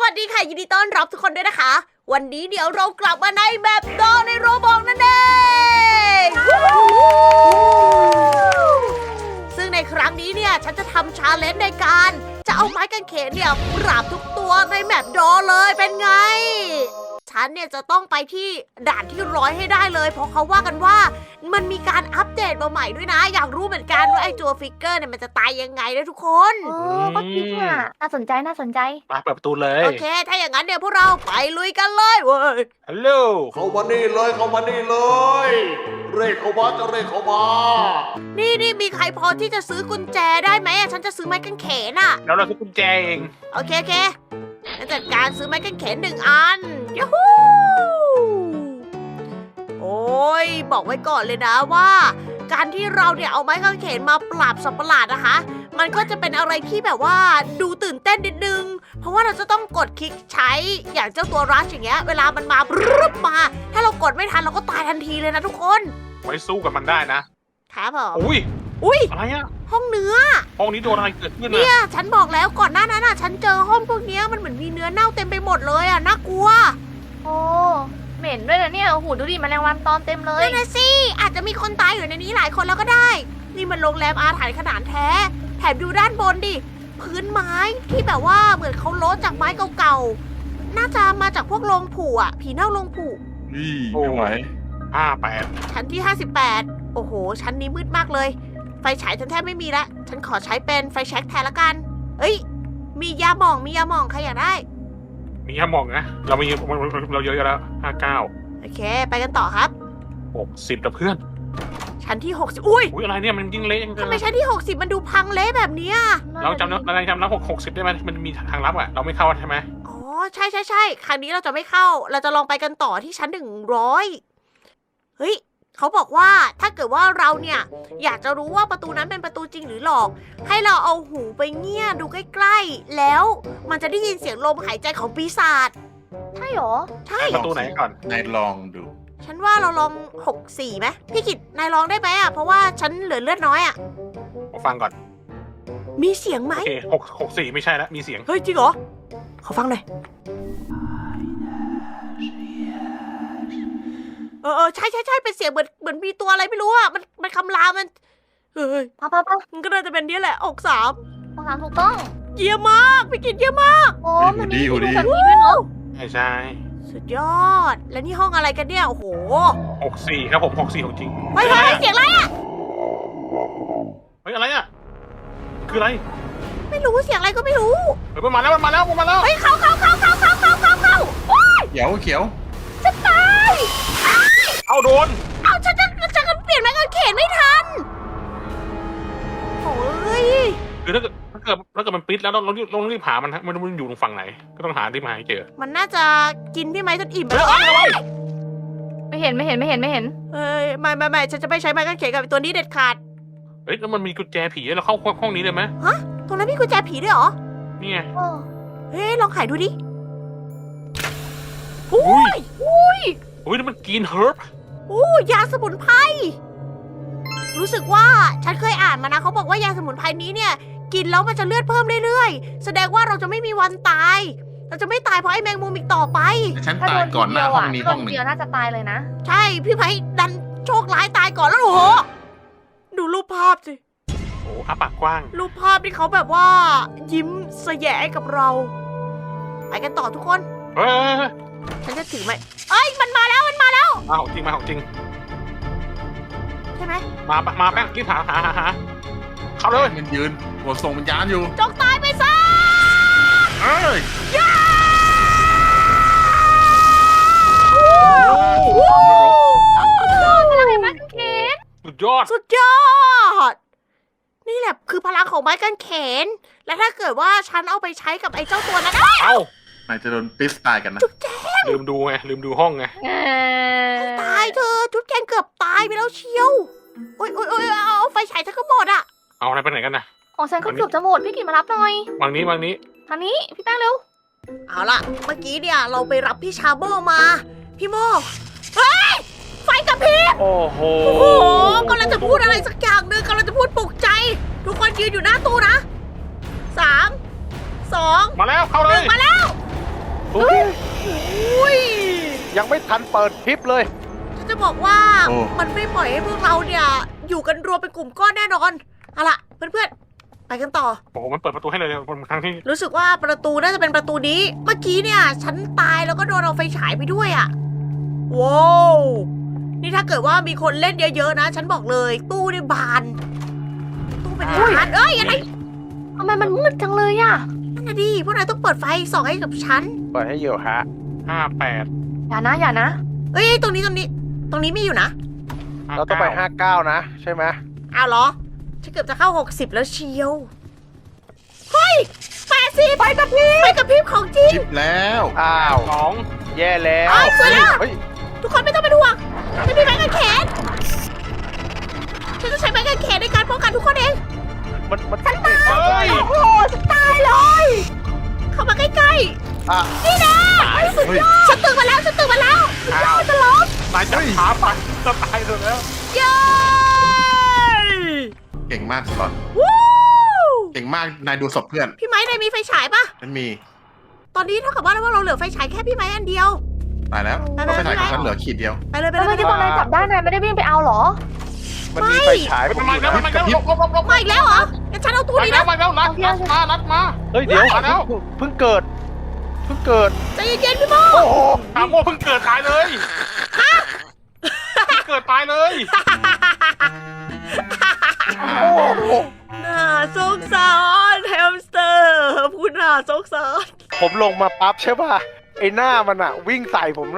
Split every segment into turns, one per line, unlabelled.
วัสดีค่ะยินดีต้อนรับทุกคนด้วยนะคะ วันนี้เดี๋ยวเรากลับมาในแบบดอในโรบอกนั่นเองซึ่งในครั้งนี้เนี่ยฉันจะทำชาเลนจ์ในการจะเอาไม้กางเขนเนี่ยปราบทุกตัวในแมปดอเลยเป็นไง ฉันเนี่ยจะต้องไปที่ด่านที่100ให้ได้เลยเพราะเขาว่ากันว่ามันมีการอัปเดตมาใหม่ด้วยนะ อยากรู้เหมือนกันว่าไอ้ตัวฟิกเกอร์เนี่ยมันจะตายยังไงนะทุกคน
ก็จริงอ่ะน่าสนใจ
มาเปิดประตูเลย
โอเค ถ้าอย่างนั้นเดี๋ยวพวกเราไปลุยกันเลยเว้ย
ฮัลโหล
เข้ามานี่เลยเข้ามานี่เลย เร่เข้ามาจะเร่เข้ามา
นี่มีใครพอที่จะซื้อกุญแจได้ไหมอะฉันจะซื้อไม้กางเขนอะ
แล้วเราซื้อกุญแจเอง
โอเคงั้นจัดการซื้อไม้กางเขน1 อันยูฮูโอ้ยบอกไว้ก่อนเลยนะว่า การที่เราเนี่ยเอาไม้กางเขนมาปราบสัตว์ประหลาดนะคะ มันก็จะเป็นอะไรที่แบบว่าดูตื่นเต้นนิดนึง เพราะว่าเราจะต้องกดคลิกใช้อย่างเจ้าตัวรัชอย่างเงี้ย เวลามันมาปรึ๊บมา ถ้าเรากดไม่ทันเราก็ตายทันทีเลยนะทุกคน
ไว้สู้กับมันได้นะครับ
ผม
อุ้ยอะไรอะ
ห้องเนื้อ
ห้องนี้โดนอะไรเกิดขึ้น
เนี่
อะ
ยฉันบอกแล้วก่อนหน้านั้นฉันเจอห้องพวกเนี้ยมันเหมือนมีเนื้อเน่าเต็มไปหมดเลยน่ากลัว
โอ้เหม็นด้วยนะเนี่ยโอ้โหดูดิแมลงวันตอมเต็มเลย
นั่นนะสิอาจจะมีคนตายอยู่ในนี้หลายคนแล้วก็ได้ นี่มันโรงแรมอาถรรพ์ขนาดแท้แถมดูด้านบนดิพื้นไม้ที่แบบว่าเหมือนเขาโลดจากไม้เก่าๆน่าจะมาจากพวกโรงผูผีเน่าโรงผู
นี่ไม่ไหว
58
ชั้นที่58โอ้โหชั้นนี้มืดมากเลยไฟฉายฉันแทบไม่มีละฉันขอใช้เป็นไฟแช็กแทนละกันเอ้ยมียาหม่องใครอยากได้
มีห้ามองนะเราเยอะแล้ว59
โอเคไปกันต่อครับ
60แล้วเพื่อน
ชั้นที่60อุ้ย
อุ้ยอะไรเนี่ยมันยิ่งเละยัง
ทำไมชั้นที่60มันดูพังเละแบบเนี้ย
เราจำแล้ว60ได้ไหมมันมีทางลับอะเราไม่เข้าใช่ไหม
อ๋อใช่ครั้งนี้เราจะไม่เข้าเราจะลองไปกันต่อที่ชั้น100เฮ้ยเขาบอกว่าถ้าเกิดว่าเราเนี่ยอยากจะรู้ว่าประตูนั้นเป็นประตูจริงหรือหลอก ให้เราเอาหูไปเงี่ยดูใกล้ๆแล้วมันจะได้ยินเสียงลมหายใจของปีศาจ
ใช่หรอ
ใช่
ประตูไหนก่อน
นายลองดู
ฉันว่าเราลอง64ไหมพี่กิตนายลองได้ไหมอ่ะเพราะว่าฉันเหลือเลือดน้อยอ่ะ
ฟังก่อน
มีเสียงไหม
โอเค64ไม่ใช่แล้วมีเสียง
เฮ้ยจริงเหรอขอฟังหน่อยใช่เป็นเสียงเหมือนมีตัวอะไรไม่รู้อ่ะมันคำรามมันเฮ้ย
ปะ
มันก็น่าจะเป็นนี้แหละ63
ต้องถามถูกต้อง
เยี่ยมมากพี่กิตเยี่ยมมาก
โอ้มันมี
หูดี
แบบนี้ด้วยเนาะ
ใช่
สุดยอดแล้วนี่ห้องอะไรกันเนี่ยโอ้โห
64ครับผม64ของจริง
เฮ้ยเสียงอะไรอ่ะ
เฮ้ยอะไรอะคืออะไร
ไม่รู้เสียงอะไรก็ไม่รู้
เฮ้ยมันมาแล้ว
เฮ้ยเข้า
เขียวเขียว
จะตาย
เอาโดน
เอาฉันเปลี่ยนไม้กางเขนไม่ทันโอ้ย
คือถ้าเกิดมันปิดแล้วเราต้องรีบหามันฮะมันอยู่ตรงฝั่งไหนก็ต้องหาที่มาให้เจอ
มันน่าจะกินพี่ไม้จนอิ่มไป
เฮ้ย
แล้ว
เอาไว้
ไม่เห็น
เอ้ยไม่ฉันจะไม่ใช้ไม้กางเขนกับตัวนี้เด็ดขาด
เฮ้ยแล้วมันมีกุญแจผีเราเข้าห้องนี้เลยไหม
ตรงนั้นมีกุญแจผีด้วยเหรอ
นี่ไง
โอ้
เฮ้ยลองไขดูดิ
อุ้ยนี่มันกินเฮิร์บ
ยาสมุนไพรรู้สึกว่าฉันเคยอ่านมานะเขาบอกว่ายาสมุนไพรนี้เนี่ยกินแล้วมันจะเลือดเพิ่มเรื่อยๆแสดงว่าเราจะไม่มีวันตายเราจะไม่ตายเพราะไอ้แมงมุมอีกต่อไป
ฉัน
ถ้าโด
ตาย
น
ก่อนหน้าห้องนี้
โด
ห้อง
น
หนึ่ง
เดียวน่าจะตายเลยนะ
ใช่พี่ไม้ดันโชคร้ายตายก่อนแล้วโอ้โหดูรูปภาพสิ
โอ้อาปากกว้าง
รูปภาพที่เขาแบบว่า ยิ้มแสยะกับเรา ไปกันต่อทุกคน
เฮ้ย
ฉันจะถือไหมเอ้ยมันมาแล้ว
มาของจริง
ใช่ไหม
มาแป้งรีบหาเข้าเลย
มันยืนหัวส่งวิญญาณอยู่
จงตายไปซะ
เอ้ย
พลังแห่งไม้กางเขน
สุดยอด
สุดยอด นี่แหละคือพลังของไม้กางเขน และถ้าเกิดว่าฉันเอาไปใช้กับไอ้เจ้าตัวนั้น
เอ้าน
ายจะโดนปิสตายกันนะ
ลืมดูห้องไง
ตายเธอจุดแกนเกือบตายไปแล้วเชียวโอ๊ยเอาไฟฉายฉันก็หมดอ่ะ
เอาอะไรไปไหนกันนะ
ของฉันก็เกือบจะหมดพี่กิตมารับหน่อย
วางนี้
ทางนี้พี่แป้งเร็ว
เอาล่ะ เมื่อกี้เนี่ยเราไปรับพี่ชาโมมา พี่โมเฮ้ย ไฟกระพริบ
โอ้โห
โอ้โหกำลังจะพูดอะไรสักอย่างหนึ่งกำลังจะพูดปลุกใจ ทุกคนยืนอยู่หน้าตู้นะ3 2
มาแล้วเข้าเลย
1มาแล้ว
ยังไม่ทันเปิดคลิปเลย
ฉันจะบอกว่า
โอ้
มันไม่ปล่อยให้พวกเราเนี่ย อยู่กันรวมเป็นกลุ่มก้อนแน่นอนเอาล่ะเพื่อนๆไปกันต่อ
โอ้โหมันเปิดประตูให้เลยทั้งที่
รู้สึกว่าประตูน่าจะเป็นประตูนี้ เมื่อกี้เนี่ย ฉันตายแล้วก็โดนเอาไฟฉายไปด้วยอะว้าวนี่ถ้าเกิดว่ามีคนเล่นเยอะๆนะ ฉันบอกเลย ตู้นี่บาน ตู้เป็นล้านเอ้ยอะไร
ทำไมมันมืดจังเลยอะ
นั่นนะดิพวกนายต้องเปิดไฟส่องให้กับฉัน
เปิดให้เยอะฮะ
58
อย่านะอย่านะ
เอ้ยตรงนี้ไม่อยู่นะ
เราต้องไป59นะใช่ไหม
อ้าวเหรอ ฉันเกือบจะเข้า 60 แล้วเชียว เฮ้ย80ไปกับพริบของจริง
จิบแล้ว
อ้าว
2
แย่แล้ว
เอ้ยสวยแล้ว
เฮ้ย
ทุกคนไม่ต้องเป็นห่วงฉันมีไม้กางเขนฉันจะใช้ไม้กางเขนในการป้องกันทุกคนเอง
มัน
เฮ้ย
โอ้โหจะตายเลย เข้ามาใกล้
อ่ะ
ๆ นี่นะสุดยอดฉันตื่นมาแล้วสุดยอดจะล้ม
นายจับขาไปจะตายเลยแล้ว
เย้
เก่งมากสกอต
วู้
เก่งมากนายดูศพเพื่อน
พี่ไม้นายมีไฟฉายปะ
ฉันมี
ตอนนี้เท่ากับว่าเราเหลือไฟฉายแค่พี่ไม้อันเดียว
ตายแล้ว
ไป
ก็
ไป
ไปถ่าย
ไป
ของฉันเหลือขีดเดียว
ไปเลยไป
แล้ว
เล
เมื่
ย
อกี้ตอนนายจับได้นายไม่ได้วิ่งไปเอาเหรอ
มันมีไฟฉายผม
มา
อยู่
แล้ว
นะ
มาแล้วลบ
มาอีกแล้วเหรองั้นฉันเอาตู้นี้นะ
มาแล้วนัดมา
เฮ้ยเดี๋ยว
มาแล้ว
เพิ่งเกิด
ใจเย็นๆพี่โม
โอ้โห
ถามโมเพิ่งเกิดตายเลยเกิดตายเลย
โอ้โห
น่าสงสารแฮมสเตอร์พูดน่าสงสาร
ผมลงมาปั๊บใช่ป่ะไอ้หน้ามันอะวิ่งใส่ผมเลย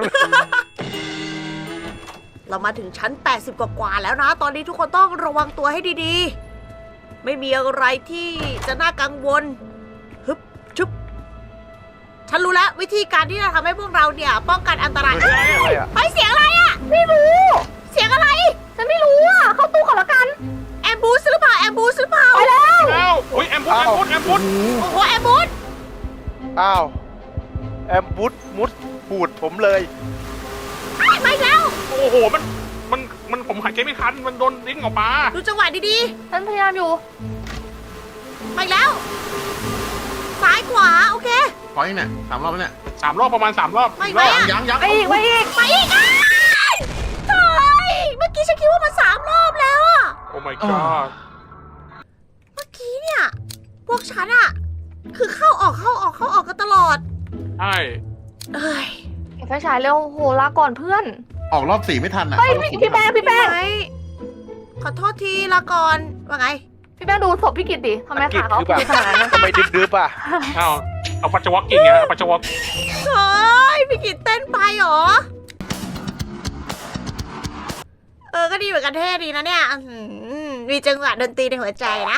เรามาถึงชั้น 80 กว่าๆแล้วนะ ตอนนี้ทุกคนต้องระวังตัวให้ดีๆ ไม่มีอะไรที่จะน่ากังวลฮึบชุบฉันรู้แล้ววิธีการที่จะทำให้พวกเราเนี่ยป้องกันอันตราย
อะไรอะ
เฮ้ยเสียงอะไรอะ
ไม่รู้
เสียงอะไร
ฉันไม่รู้อะเข้าตู้ก่อนละกัน
แอมบูสหรือเปล่าแอมบูสหรือเปล่า
ไปแล้ว
แล้วโอ้ยแอมพุท
โอ้โหแอมบูส
อ้าวแอมบุดมุดปูดผมเลย
มาอีกแล้ว
โอ้โหมันผมหายใจไม่ทันมันโดนดิ้งออกมา
ดูจังหวะดี
ฉันพยายามอยู่
ๆมาอีกแล้วซ้ายขวาโอเค
พอยเนี่ย3 รอบแล้วเนี่ย
3 รอบประมาณ3 รอบ
ไม่ไหวอะ
ยัง
ไปอีก
ไปอีกอ้ายเฮ้ยเมื่อกี้ฉันคิดว่ามัน3 รอบแล้วอะ
โอ้ my god
เมื่อกี้เนี่ย พวกฉันอะคือเข้าออกกันตลอด
ใช่
เอ้ย
เก็บไฟฉายเร็วโหลาก่อนเพื่อน
ออกรอบ4ไม่ทันอ่ะ
เฮ้ย
เข้ารอบสี่
พี่แป้ง
ไหมขอโทษทีละก่อนว่าไง
พี่แป้งดูศพพี่กิตดิทำไมขาเขา
คือแบบ
เป็นขนาดนั้น
ทำไมดึบๆอ่ะ
เอาปัจจวักกิ่งไงปัจจวัก
เฮ้ยพี่กิตเต้นไปเหรอ ก็ดีเหมือนกันเท่ดีนะเนี่ยอื้อหือมีจังหวะดนตรีในหัวใจนะ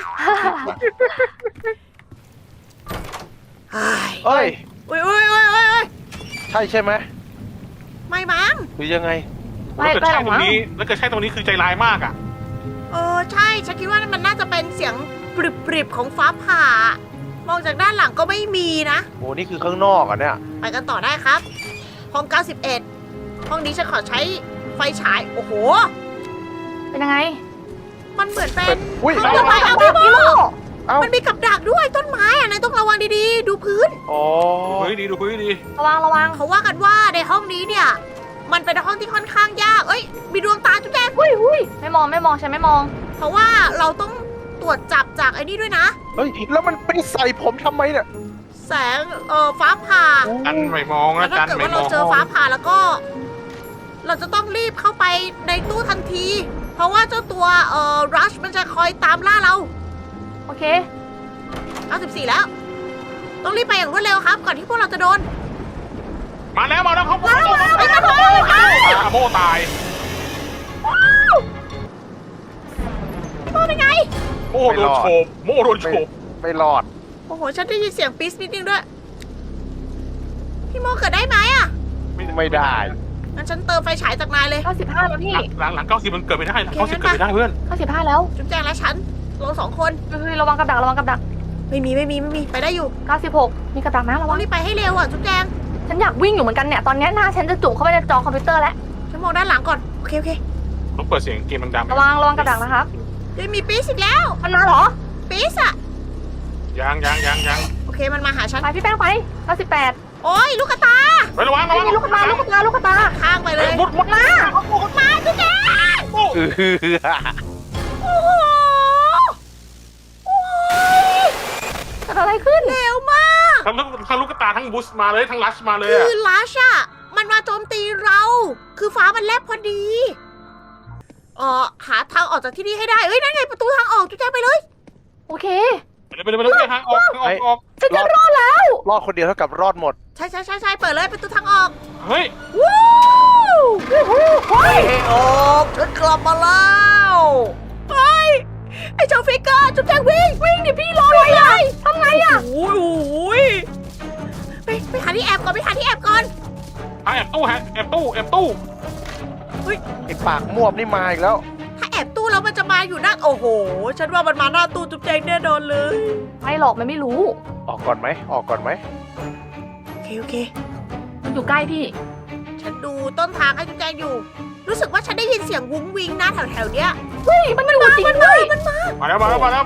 เฮ้ย
เอ้ย
อุ้ย
ใช่ไหม
ไม่มั้ง
หรือยังไง
ไม่
แล้วเกิด
ได้
ใช่
หรอก
ตรง
มั้ง
นี้แล้วเกิดใช่ตรงนี้คือใจร้ายมากอ่ะ
ใช่ฉันคิดว่ามันน่าจะเป็นเสียงปริบๆของฟ้าผ่ามองจากด้านหลังก็ไม่มีนะ
โอ้นี่คือข้างนอกอ่ะเนี่ย
ไปกันต่อได้ครับ ห้อง 91 ห้องนี้ฉันขอใช้ไฟฉาย โอ้โห
เป็นยังไง
มันเหมือนเป็น
อุ้ย
ห้องระบายเอาพี่โม
เอ้า
มันมีกับดักด้วยต้นไม้อะนายต้องระวังดีๆ ดูพื้น
อ๋อ
ดูพื้นดีดูพื้นดี
ระวังระวัง
เขาว่ากันว่าในห้องนี้เนี่ย มันเป็นห้องที่ค่อนข้างยาก เอ้ย มีดวงตาจุ๊บแจง
หุ้ยไม่มองฉันไม่มอง
เพราะว่าเราต้องตรวจจับจากไอ้นี่ด้วยนะ
เฮ้ยแล้วมันไปใส่ผมทำไมเนี่ย
แสงฟ้าผ่า
กันไม่มอง
แล้
นะ
วถ้า
กัน
เกิด
ไม่
ว่าม เรา
อง
เจอฟ้าผ่าแล้วก็ เราจะต้องรีบเข้าไปในตู้ทันที เพราะว่าเจ้าตัวรัชมันจะคอยตามล่าเรา
โอเค
94แล้ว ต้องรีบไปอย่างรวดเร็วครับ ก่อนที่พวกเราจะโดน
มาแล้วเขา
ไปกันเถอะ
โมตาย
พี่โมเป็นไง
โมโดนโฉบโมโดนโฉบ
ไม่รอด
โอ้โห ฉันได้ยินเสียงปี๊สนิดนึงด้วย พี่โมเกิดได้ไหมอะ
ไม่ได้
งั้นฉันเติมไฟฉายจากนายเลย
95แล้วพี่
หลัง90มันเกิดไม่ได้หลัง90เกิดไม่ได้เพื่อน
95แล้ว
จุ๊บแจงและฉันเราสองคน
เฮ้ยระวังกับดัก
ไม่มี ไปได้อยู่
96มีกับดักนะระ
ต้
วั
อง
ง
รีบไปให้เร็วอ่ะจุ๊บแจง
ฉันอยากวิ่งอยู่เหมือนกันเนี่ย ตอนนี้หน้าฉันจะจุ่มเข้าไปในจอคอมพิวเตอร์แล้ว
ฉันมองด้านหลังก่อน โอเค
ต้องเปิดเสียงเกมดังๆ
ระวังกับดักนะครับ
เฮ้ยมีปี๊สอีกแล้ว
มันมาเหรอ
ปี๊สอะ
ยัง
โอเค มันมาหาฉัน
ไปพี่แป้งไป98
โอ้ยลูกกระตา
ไประวังระวัง
นี่ลูกตาลูกตาลูกตา
ข้างไปเลย
มุด
มา
มาจุ๊บแจง
เออ
โอ้โหโอ้ย
เกิดอะไรขึ้น
เร็วมาก
ทั้งลูกตาทั้งบูสมาเลยทั้งลัชมาเลย
คือลัชอะมันมาโจมตีเรา คือฟ้ามันแลบพอดีหาทางออกจากที่นี่ให้ได้เอ้ยนั่นไงประตูทางออกจุ๊บแจงไปเลย
โอเค
ไปเลยทางออก
ฉันจะรอดแล้ว
รอดคนเดียวเท่ากับรอดหมด
ใช่เปิดเลยประตูทางออก
เฮ้ย
วู้ให้ออกฉันกลับมาแล้วเฮ้ยไอ้เจ้าฟิกเกอร์จุ๊บแจงวิ่งดิพี่รออะไรอ่ะ
ทำไงอ่ะ
โอ้ยไปหาที่แอบก่อนไปหาที่แอบก่อน
แอบตู้
ไอ้ปากมวบนี่มาอีกแล้ว
ถ้าแอบตู้แล้วมันจะมาอยู่หน้าโอ้โห ฉันว่ามันมาหน้าตู้จุ๊บแจงแน่นอนเลย
ไม่หรอกมันไม่รู้
ออกก่อนไหม ออกก่อนไหม
โอเค
มันอยู่ใกล้พี่
ฉันดูต้นทางให้จุ๊บแจงอยู่ รู้สึกว่าฉันได้ยินเสียงวุ้งวิงนะแถวๆเนี้ย
เฮ้ยมันอยู่จริงด้วย
มาแล้ว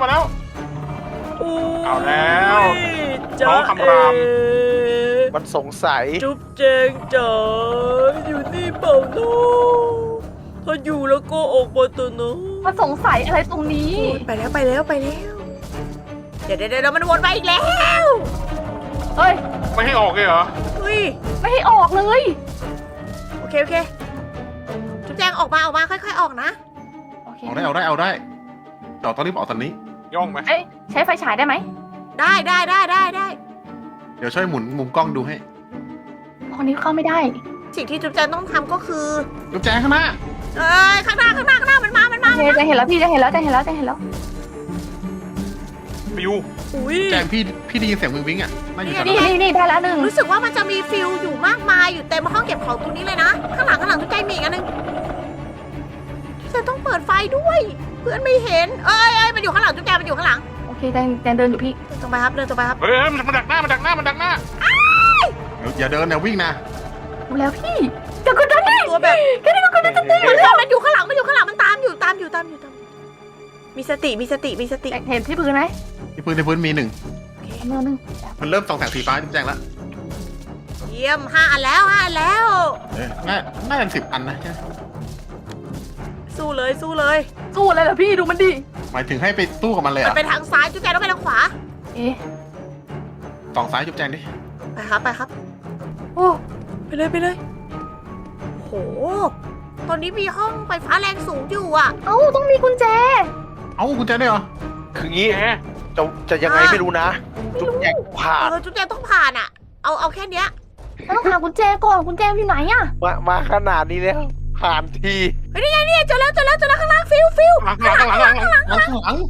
เอาแล้ว
จ๊ะ
น้องคำราม
มันสงสัย
จุ๊บแจงจ๋าอยู่นี่เปล่าเนาะถ้าอยู่แล้วก็ออกมาตัวเนาะ
มันสงสัยอะไรตรงนี้
ไปแล้วเดี๋ยวมันวนมาอีกแล้ว
เฮ้ย
ไม่ให้ออกเลยเหรอ
เฮ้ย
ไม่ให้ออกเลย
โอเคจุ๊บแจงออกมาค่อยๆออกนะ
โอเค
เอาได้ต่อตอนนี้บอกตอนนี้
ย่องไหม
เอ้ยใช้ไฟฉายได้ไหม
ได้
เดี๋ยวช่วยหมุนมุมกล้องดูให้
ตอนนี้เข้าไม่ได้
สิ่งที่จุ๊บแจงต้องทำก็คือ
ลูกแจงข้างหน้า
ข้างหน้ามันมา
โอเคจะเห็นแล้วพี่จะเห็นแล้ว
ฟิว
อุ้ย
แจงพี่ได้ยินเสียงวิงอ่ะน่าอยู่แถว
นี่
นั้น
ได้แล้วหนึ่ง
รู้สึกว่ามันจะมีฟิลอยู่มากมายอยู่เต็มห้องเก็บของตรงนี้เลยนะ ข้างหลังจุ๊บแจงมีอีกอันนึงจะต้องเปิดไฟด้วย เพื่อนไม่เห็นมันอยู่ข้างหลังจุ๊บแจงมันอยู่ข้างหลัง
โอเคแจงเดินอยู่พี่
ตรงไปครับเดินตรงไปครับ
เฮ้ยมันดักหน้า
อย่าเดินนะวิ่งนะ
ดูแล้วพี่เดี๋ยวก็ได้
ตัวแบบ
แค่นี้ก็ได้จะตี
มันอยู่ข้างหลังมันตามอยู่มีสติ
เห็นที่พื้นไหม
ที่พื้นมีหนึ่ง
เนื้อหนึ่ง
มันเริ่มส่องแสงสีฟ้าลูกแจงแล้ว
เยี่ยม5 อันแล้ว
น่าจะ10 อันนะใช่ไหม
สู้เลย
สู้อะไรเหรอพี่ดูมันดิ
หมายถึงให้ไปตู้กับมันเลยเหร
มัน
อ่ะ
ไปทางซ้ายจุ๊บแจงต้องไปทางขวา
เอ๊ะ
ส่องซ้ายจุ๊บแจงดิ
ไปครับ
โอ้
ไปเลยโหตอนนี้มีห้องไฟฟ้าแรงสูงอยู่อ่ะ
เอ้าต้องมีกุญแจ
เอ้ากุญแจได้เหรอ
คืองี้
แหม
จะยังไงไม่รู้นะ จุ๊บแจงผ่าน
จุ๊บแจงต้องผ่านอ่ะเอาแค่เนี้ย
เราต้องหากุญแจก่อนกุญแจอยู่ไหนอะ
มาขนาดนี้แล้ว ผ่านที
เฮ้ยนี่ไงเจอแล้วข้างล่างฟิว
หลัง
ไหน
หลัง
เดินเลย
เลย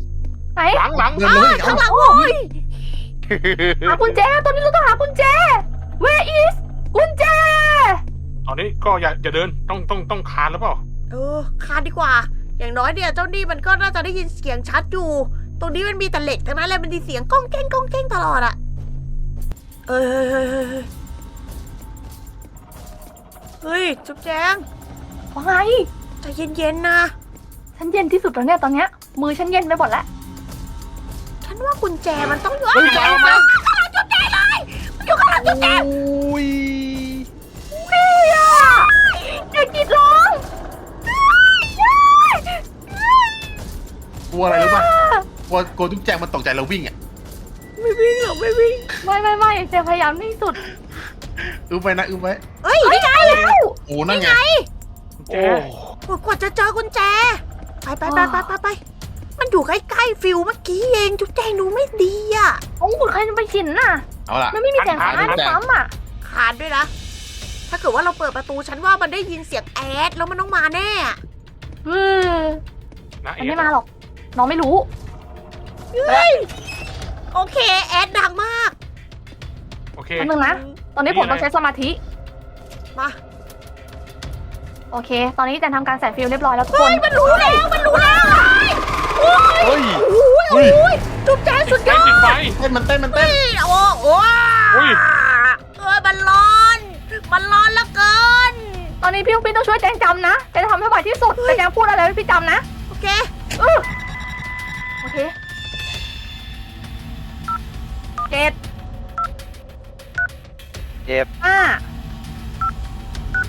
ข้างหลังโว้ย
หากุญแจตอนนี้เราต้องหากุญแจ Where is กุญแจ
ตอนนี้ก็อย่าเดินต้องคานหรือเปล่า
คานดีกว่า อย่างน้อยเนี่ยเจ้านี่มันก็น่าจะได้ยินเสียงชัดอยู่ ตรงนี้มันมีแต่เหล็กทั้งนั้นเลยมันมีเสียงก้องแก้งตลอดอะเฮ้ยจุ๊บแจง
ว่าไง
ใจเย็นๆนะ
ฉันเย็นที่สุดแล้วเนี่ยตอนเนี้ยมือฉันเย็นไปหมดแล้ว
ฉันว่ากุญแจมันต้องอยู่
กุญแจมา
ข้างหลังจุ๊บแจงเลยมันอยู่ข้างหลังจุ๊บแจง
อุ้ย
อย่ากรีดร้อง
กลัวอะไรรู้ป่ะกลัวจุ๊บแจงมันตกใจแล้ววิ่งอ่ะ
ไม่วิ่งหรอกไม่วิ่ง
ไม่เจพยายามที่สุด
อึ้มไว้นะอึ้มไว้
เฮ้ยนี่ไง
โอ้นั่นไง
แจ
กว่าจะเจอกุญแจไปมันอยู่ใกล้ๆฟิวเมื่อกี้เองจุ๊บแจงดูไม่ดีอ่ะ
โอ้โหใครจะไปชินน่ะ
เอาล่ะ
มันไม่มีแสงไฟซ้ำอ่ะ
คานด้วยนะ ถ้าเกิดว่าเราเปิดประตูฉันว่ามันได้ยินเสียงแอดแล้วมันต้องมาแน่
นะ
มันไม่มาหรอก น้องไม่รู้
โอเคแอดดังมาก
โอเค
แป๊บนึงนะ ตอนนี้ผมต้องใช้สมาธิ
มา
โอเค ตอนนี้แจนทำการใส่ฟิลเรียบร้อยแล้วทุกค
เฮ้
น
ยมันรู้แล้วโอ้ย
เฮ้ย
โอ้ยจุ๊บแจงสุดยอด
ติดไฟ
เต้นมันเต้น
โอ้โห
อุ้ย
มันร้อนเหลือเกิน
ตอนนี้พี่ต้องช่วยแจงจำนะแจงทำให้ไหวที่สุดแต่แจงพูดอะไรให้พี่จำนะ
โอเค
โอเค7
เจ็บ
5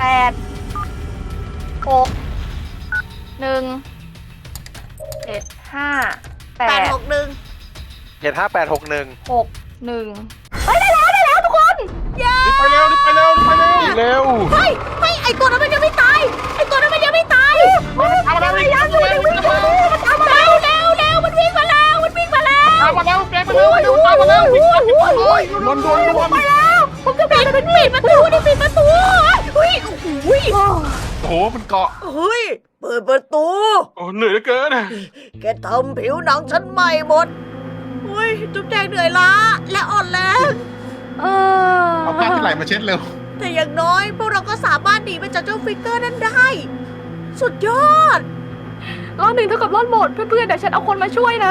8 6 1 7 5 8
861
75861
6 1เฮ้ยได้แล้วทุกคน
รีบไปเร็วรีบไปเร็วรีบไปเร็ว
เร็ว
เฮ้ยไอตัวนั้นมันยังไม่ตายไอตัวนั้นมันยังไม่ตาย
เอามาแล้ววิ่ง
ยังอยู่ยังวิ่งอยู่มันตามมาแล้ว
เร็วมันวิ่งมาแล้วมันวิ่งมาแล้ว
เอามาแล้วแกมาแล้วเร็วตามมาแล้ววิ่งโดน
ไปแล้วผมจะ
ปิดประตูดิปิดประตูเฮ้ยโอ้โห
โอ้โหมันเกาะ
เฮ้ยเปิดประตู
โอ้เหนื่อยเหลือเกิน
แกทำผิวหนังฉันใหม่หมดเฮ้ยจุ๊บแจงเหนื่อยล้าและอ่อนแรง
เอาผ้าที่ไหลมาเช็ดเร็ว
แต่อย่างน้อยพวกเราก็สามารถหนีไปจากเจ้าฟิกเกอร์นั้นได้ สุดยอด
รอบหนึ่งเท่ากับรอดหมดเพื่อนๆเดี๋ยวฉันเอาคนมาช่วยนะ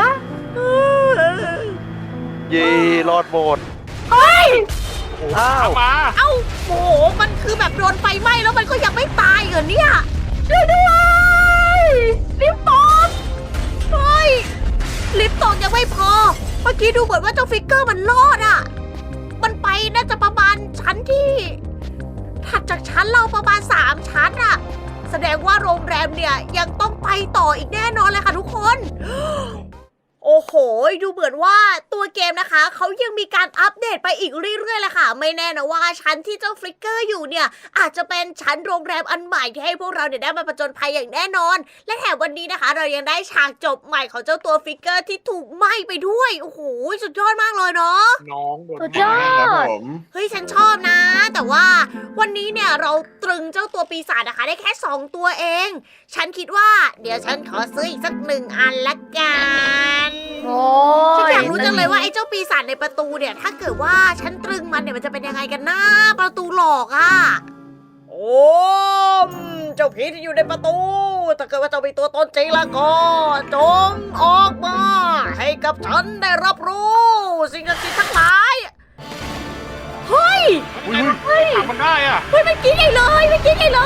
เย่รอดหมด
เฮ้ย
อ้าว
มา
เอ้าโอ้โหมันคือแบบโดนไฟไหม้แล้วมันก็ยังไม่ตายเหรอเนี่ย
ช่วยด้วยลิฟต์ตก
เฮ้ยลิฟต์ตกยังไม่พอ เมื่อกี้ดูเหมือนว่าเจ้าฟิกเกอร์มันรอดอ่ะ มันไปน่าจะประมาณชั้นที่ ถัดจากชั้นเราประมาณ3ชั้นอะแสดงว่าโรงแรมเนี่ยยังต้องไปต่ออีกแน่นอนเลยค่ะทุกคน โอ้โห ดูเหมือนว่าตัวเกมนะคะเขายังมีการอัปเดตไปอีกเรื่อยๆเลยค่ะ ไม่แน่นะว่าชั้นที่เจ้าฟลิกเกอร์อยู่เนี่ยอาจจะเป็นชั้นโรงแรมอันใหม่ที่ให้พวกเราเนี่ยได้มาผจญภัยอย่างแน่นอน และแถมวันนี้นะคะ เรายังได้ฉากจบใหม่ของเจ้าตัวฟิกเกอร์ที่ถูกไหม้ไปด้วย โอ้โห สุดยอดมากเลยเนาะ
น้องโดน
สุดยอ
ครับ
ด
ผม
เฮ้ยฉันชอบนะ แต่ว่าวันนี้เนี่ยเราตรึงเจ้าตัวปีศาจนะคะได้แค่2ตัวเอง ฉันคิดว่าเดี๋ยวฉันขอซื้ออีกสัก1 อันละกัน
โอ้
ฉันอยากรู้จังเลยว่าไอ้เจ้าปีศาจในประตูเนี่ยถ้าเกิดว่าฉันตรึงมันเนี่ยมันจะเป็นยังไงกันนะประตูหลอกอะโอ้เจ้าผีที่อยู่ในประตูถ้าเกิดว่าเจ้ามีตัวตนจริงแล้วก็จงออกมาให้กับฉันได้รับรู้สิ่งศักดิ์สิทธิ์ทั้งหลายเฮ้ย
ทำมันได้อ่ะ
เฮ้ยมันกินใหญ่เลยมันกินใหญ่เลย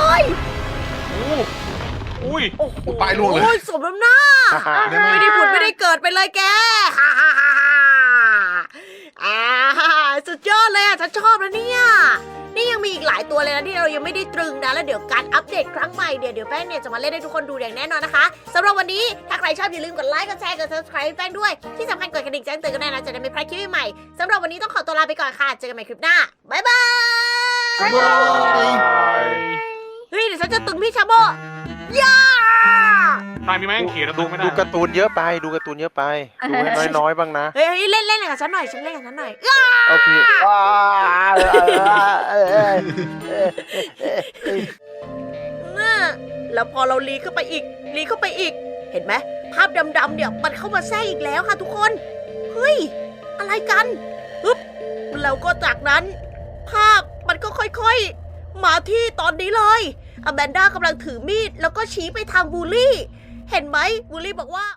อุ้ย
โอ้โห
ปลายล่วงเลย
โอ้ยสมน้ำหน้า
ได้ไหม
ไม่ได้ผุดไม่ได้เกิดไปเลยแกฮ่าฮ่าฮ่าฮ่าอ่าสุดยอดเลยอ่ะฉันชอบนะเนี่ยนี่ยังมีอีกหลายตัวเลยนะที่เรายังไม่ได้ตรึงนะแล้วเดี๋ยวการอัปเดตครั้งใหม่เดี๋ยวแป้งเนี่ยจะมาเล่นให้ทุกคนดูอย่างแน่นอนนะคะสำหรับวันนี้ถ้าใครชอบอย่าลืมกดไลค์กดแชร์กด subscribe แป้งด้วยที่สำคัญกดกระดิ่งแจ้งเตือนกันด้วยนะจะได้ไม่พลาดคลิปใหม่ๆสำหรับวันนี้ต้องขอตัวลาไปก่อนค่ะเจอกันใหม่คลิปหน้าบ๊ายบาย
บ๊ายบาย
เฮ้ยเดี๋ยวฉันจะตึงพี่ชาโบย่า
ตายมีแม่งเขียนแล้ว
ดู
ดูไม่ได้
ดูการ์ตูนเยอะไปดูการ์ตูนเยอะไปดูให้น้อยๆบ้างนะ
เฮ้ยเล่นกับฉันหน่อยฉันเล่นกับฉันหน่อย
โอเค
น่ะแล้วพอเราลีเข้าไปอีก เห็นไหมภาพดำๆเนี่ยมันเข้ามาแทรกอีกแล้วค่ะทุกคน เฮ้ย อะไรกันปึ๊บแล้วก็จากนั้น ภาพมันก็ค่อยๆ มาที่ตอนนี้เลยอแมนด้ากำลังถือมีดแล้วก็ชี้ไปทางบูลลี่ เห็นไหมบูลลี่บอกว่า